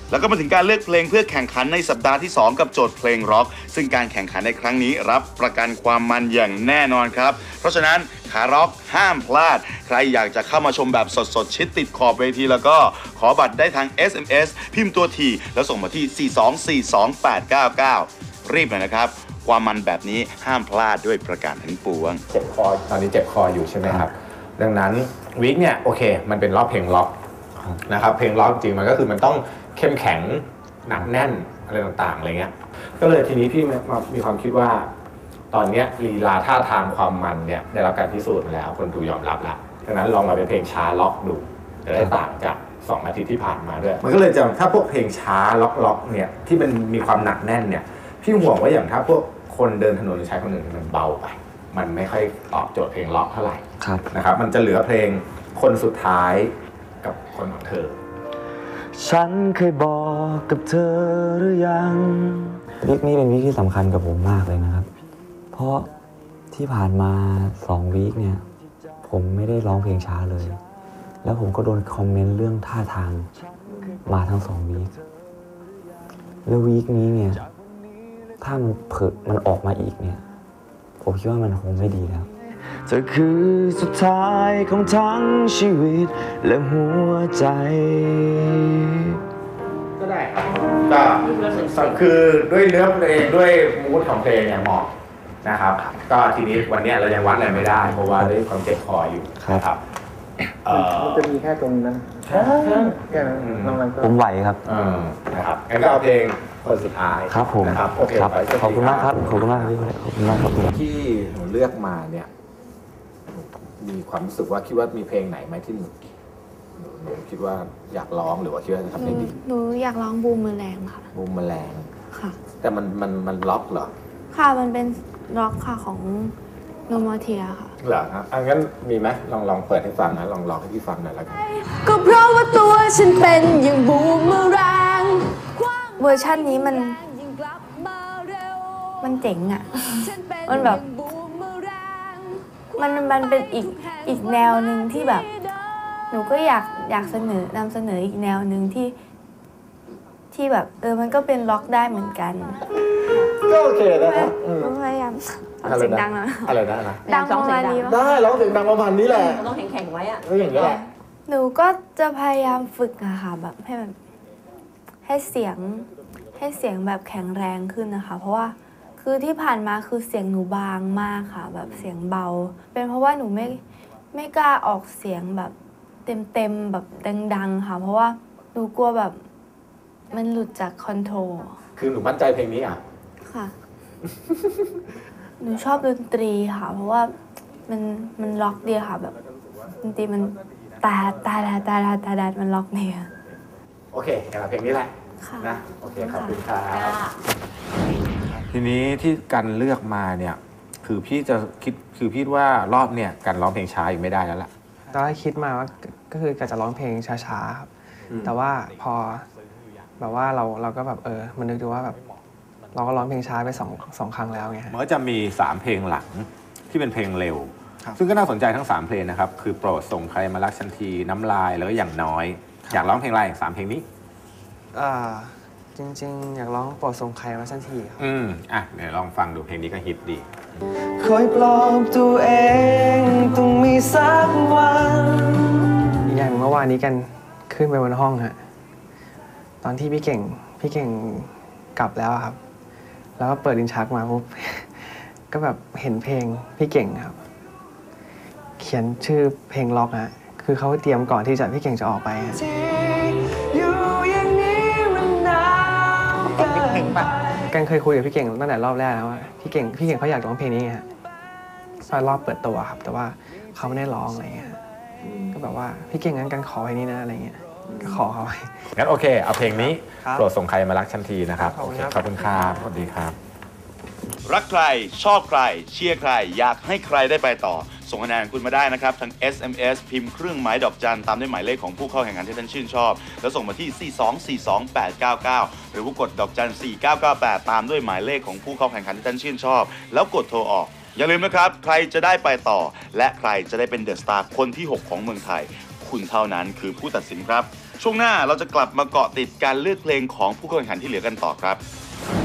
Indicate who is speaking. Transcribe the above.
Speaker 1: แล้วก็มาถึงการเลือกเพลงเพื่อแข่งขันในสัปดาห์ที่ 2 กับโจทย์เพลงร็อกซึ่งการแข่งขันในครั้งนี้รับประกันความมันอย่างแน่นอนครับเพราะฉะนั้นขาร็อกห้ามพลาดใครอยากจะเข้ามาชมแบบสดๆชิดติดขอบเวทีแล้วก็ขอบัตรได้ทาง SMS พิมพ์ตัวทีแล้วส่งมาที่ 4242899 รีบหน่อยนะครับความมันแบบนี้ห้ามพลาดด้วยประการทั้งปวง
Speaker 2: เจ็บคอตอนนี้เจ็บคออยู่ใช่ไหมครับดังนั้นวีคเนี่ยโอเคมันเป็นรอบเพลงล็อกนะครับเพลงล็อกจริงมันก็คือมันต้องเข้มแข็งหนักแน่นอะไรต่างๆอะไรเงี้ยก็เลยทีนี้พี่มีความคิดว่าตอนนี้ลีลาท่าทางความมันเนี่ยได้รับการพิสูจน์มาแล้วคนดูยอมรับแล้วดังนั้นลองมาเป็นเพลงช้าล็อกดูจะได้ต่างจาก2 อาทิตย์ที่ผ่านมาด้วยมันก็เลยจะถ้าพวกเพลงช้าล็อกเนี่ยที่มันมีความหนักแน่นเนี่ยพี่ห่วงว่าอย่างถ้าพวกคนเดินถนนหรือใช้คนอื่นมันเบาไปมันไม่ค่อยตอบโจทย์เพลงล็อกเท่าไหร่นะครับมันจะเหลือเพลงคนสุดท้ายกับคนของเธอ
Speaker 3: ฉันเคยบอกกับเธอหรือยังวีคนี้เป็นวีคที่สำคัญกับผมมากเลยนะครับเพราะที่ผ่านมา2 วีคเนี่ยผมไม่ได้ร้องเพลงช้าเลยแล้วผมก็โดนคอมเมนต์เรื่องท่าทางมาทั้ง2 วีคแล้ววีคนี้เนี่ยถ้ามันออกมาอีกเนี่ยผมคิดว่ามันคงไม่ดีแล้วเธอคือสุดท้ายของทั้งชีวิตและหัวใจ
Speaker 2: ก็ได้ครับก็คือด้วยเนื้อเพลงด้วยมูดของเพลงเนี่ยเหมาะนะครับก็ทีนี้วันนี้เรายังวัดอะไรไม่ได้เพราะว่าด้วยความเจ็บคออยู่ครับ
Speaker 4: มันจะมีแค่ตรงนั้นแค่นั้นนอกนั้นก็
Speaker 3: ผมไหวครับ
Speaker 2: นะครับงั้นก็เอาเพลงคนสุดท้าย
Speaker 3: ครับผม
Speaker 2: นะครับโอเค
Speaker 3: ขอบคุณมากครับขอบคุณมากพี่ขอบคุณมากครับ
Speaker 2: ที่หนูเลือกมาเนี่ยมีความรู้สึกว่าคิดว่ามีเพลงไหนไหมที่หนูคิดว่าอยากร้องหรือว่าคิดว่าจะทำได้ดี
Speaker 5: หนูอยากร้องบูมเมอแรงค่ะ
Speaker 2: บูมแมลง
Speaker 5: ค่ะ
Speaker 2: แต่มันล็อกเหรอ
Speaker 5: ค่ะมันเป็นล็อกค่ะของโนมอเทียค่ะ
Speaker 2: เหรอครับงั้นมีไหมลองเปิดให้ฟังนะลองร้องให้พี่ฟังหน่อยแล้วกัน
Speaker 5: ก็เพราะว่าตัวฉันเป็นอย่างบูมเมอแรงเวอร์ชันนี้มันเจ๋งอ่ะมันแบบมันเป็นอีกแนวหนึ่งที่แบบหนูก็อยากนำเสนออีกแนวหนึ่งที่แบบมันก็เป็นล็อกได้เหมือนกัน
Speaker 2: ก็โอเคนะครับ
Speaker 5: พยายามเสียงดังนะ
Speaker 2: อะไรนะ
Speaker 5: ดังประมาณนี้
Speaker 2: ได้ร้องเสียงดังประมาณนี้แหละ
Speaker 6: ต้องแข็งๆไว้อะ
Speaker 2: ก็อย่างนี้แหละ
Speaker 5: หนูก็จะพยายามฝึกอะค่ะแบบให้เสียงแบบแข็งแรงขึ้นนะคะเพราะว่าคือที่ผ่านมาคือเสียงหนูบางมากค่ะแบบเสียงเบาเป็นเพราะว่าหนูไม่กล้าออกเสียงแบบเต็มแบบดังๆค่ะเพราะว่าหนูกลัวแบบมันหลุดจากคอนโทรล
Speaker 2: คือหนูมั่นใจเพลงนี้อ่ะ
Speaker 5: ค่ะหนูชอบดนตรีค่ะเพราะว่ามันล็อกดีค่ะแบบดนตรีมันตามันล็อกเนี่ย
Speaker 2: โอเคงั้นเพลงนี้แหละนะโอเคขอบคุณครับทีนี้ที่กันเลือกมาเนี่ยคือพี่ว่ารอบเนี่ยกันร้องเพลงช้าอยู่ไม่ได้แล้วล่ะ
Speaker 4: ตอนแรกคิดมาว่าก็คือการจะร้องเพลงช้าๆครับแต่ว่าพอแบบว่าเราก็แบบมันนึกดูว่าแบบเราก็ร้องเพลงช้าไปสองครั้งแล้วไง
Speaker 2: มันก็จะมี3เพลงหลังที่เป็นเพลงเร็วซึ่งก็น่าสนใจทั้ง3เพลงนะครับคือโปรดส่งใครมารักฉันทีน้ำลายแล้วก็อย่างน้อยอยากร้องเพลงอะไร3เพลงนี้
Speaker 4: จริงๆอยากร้องโปรดส่งใครมาสักทีครับ
Speaker 2: เดี๋ยวลองฟังดูเพลงนี้ก็ฮิตดี
Speaker 3: คอยปลอบตัวเองต้องมีสักวัน
Speaker 4: อย่างเมื่อวานนี้กันขึ้นไปบนห้องฮะตอนที่พี่เก่งกลับแล้วครับแล้วก็เปิดลิ้นชักมาปุ๊บ ก็แบบเห็นเพลงพี่เก่งครับเขียนชื่อเพลงล็อกฮะคือเขาเตรียมก่อนที่พี่เก่งจะออกไปฮะกันเคยคุยกับพี่เก่งตั้งแต่รอบแรกแล้วว่าพี่เก่งเขาอยากร้องเพลงนี้ฮะตอนรอบเปิดตัวครับแต่ว่าเขาไม่ได้ร้องอะไรเงี้ยก็แบบว่าพี่เก่งงั้นกันขอเพลงนี้นะอะไรเงี้ยก็ขอเขา
Speaker 2: งั้นโอเคเอาเพลงนี้โปรดส่งใครมารักฉันทีนะครับโอเคขอบคุณครับสวัสดีครับ
Speaker 1: รักใครชอบใครเชียร์ใครอยากให้ใครได้ไปต่อส่งคะแนนคุณมาได้นะครับทาง SMS พิมพ์เครื่องหมายดอกจันตามด้วยหมายเลขของผู้เข้าแข่งขันที่ท่านชื่นชอบแล้วส่งมาที่ 4242899 หรือว่ากดดอกจัน4998ตามด้วยหมายเลขของผู้เข้าแข่งขันที่ท่านชื่นชอบแล้วกดโทรออกอย่าลืมนะครับใครจะได้ไปต่อและใครจะได้เป็นเดอะสตาร์คนที่6ของเมืองไทยคุณเท่านั้นคือผู้ตัดสินครับช่วงหน้าเราจะกลับมาเกาะติดการเลือกเพลงของผู้เข้าแข่งขันที่เหลือกันต่อครับ